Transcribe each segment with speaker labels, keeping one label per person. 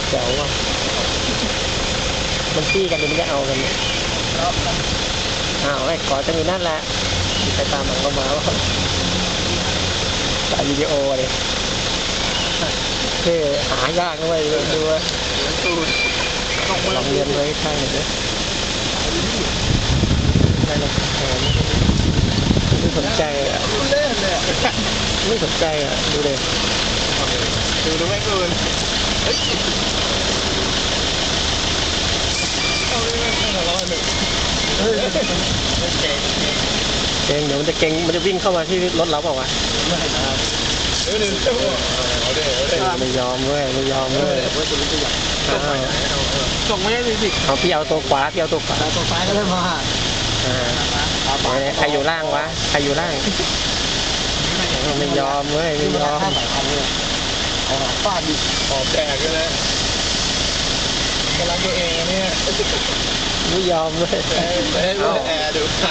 Speaker 1: เจ๋วว่ะมันตี้กันหรือมันจะเอากันเนี่ยอ้าวไอ้ขอจะมีนั่นแหละมีใครตามหลังเข้ามาว่าถ่ายวิดีโอเลยเท่หายากด้วยดูว่าลองเรียนไว้ข้างหนึ่งด้วยได้เลยไม่สนใจอ่ะไม่สนใจอ่ะดูเลย
Speaker 2: ดูแม่งเกินเฮ้ยเอาเลย
Speaker 1: เก่งเดี๋ยวมันจะเก่งมันจะวิ่งเข้ามาที่รถเราเปล่าวะไม่ยอมเว้ยไม่ยอมเว้ย
Speaker 2: ส่งไม่ได้สิ
Speaker 1: เอาพี่เอาตัวขวาพี่เอาตัวขวา
Speaker 2: ตัวซ้ายก็เริ่มมา
Speaker 1: ใครอยู่ล่างวะใครอยู่ล่างไม่ยอมเว้ยไม่ยอม
Speaker 2: ฟาดดิออกแดกกันเลยกำลังตัวเองเนี่ย
Speaker 1: ไม่ยอมเลย
Speaker 2: แอร์ดูขา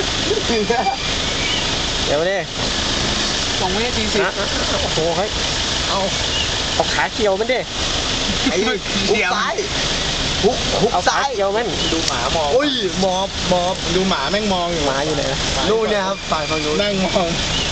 Speaker 1: เดี๋ยวดิ
Speaker 2: ส่งไม่ได้จริงสิ
Speaker 1: โอ้โหเฮ้ยเอาขาเกี่ยวมันดิ
Speaker 2: ไอ้หุกซ้ายหุกซ้าย
Speaker 1: เกี่ยวมัน
Speaker 2: ดูหมามองอุ้ยมอบดูหมาแม่งมองอยู่
Speaker 1: หมาอยู่ไหน
Speaker 2: นู่นเนี่ยครับฝ่ายฝั่งนู้นนั่งมอง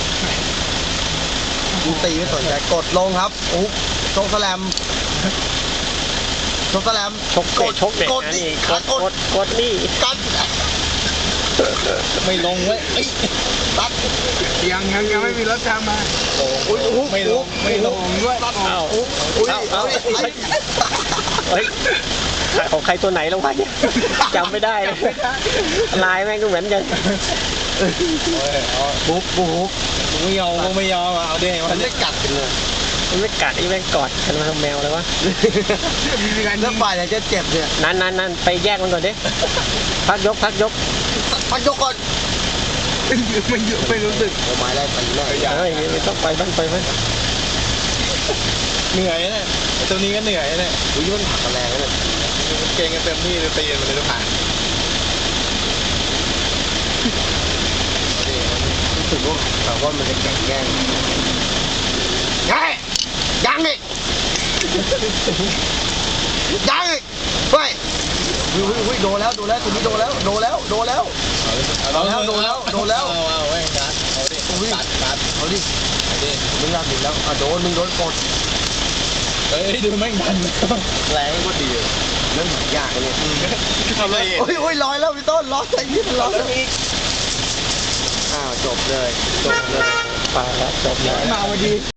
Speaker 2: ดูตีไม่สนใจกดลงครับอุ๊บโชกแสลม
Speaker 1: ชกเด็กนี่กดนี่
Speaker 2: กัดไม่ลงเว้ยตัดยังไม่มีรถจำมาโอ้ยไม่ลงด้วย
Speaker 1: เอาเฮ้ยของใครตัวไหนแล้ววะเนี่ยจำไม่ได้ลายแม่งก็เหมือนกัน
Speaker 2: บุ๊กไม่ยอมเอาดิมันไม่กัดเลย
Speaker 1: มันไม่กัดไอ้แม่งกอดกันมาทำแมวเลยวะ
Speaker 2: แล้วฝ่ายไหนจะเจ็บเนี่ย
Speaker 1: นั่นไปแยกมันก่อนดิพักยกก่อน
Speaker 2: ไม่รู้สึกโอ้ไม้ไล่ไปแน่
Speaker 1: ไม่ต้องไปบ้าน
Speaker 2: เหนื่อยเนี่ยตัวนี้ก็เหนื่อยเนี่ยอุ้ยมันผักแรงเลยเก่งกันเต็มที่เลยตีมันเลยทุกผ่านรู้สึกว่ามันจะแข็งแกร่งยังอีกเฮ้ยโดนแล้วตัวนี้โดนแล้วเอาไว้กัดเอาดิมึงรับดิแล้วมึงโดนกดเฮ้ยดูแม่งดันแรงก็ดีนั่นยากเลยทำอะไรโอ้ยลอยแล้วพี่ต้นลอยใส่ยิ่งลอยอีกจบเลย
Speaker 1: ปลาแล้วจบเลย
Speaker 2: มาพอดี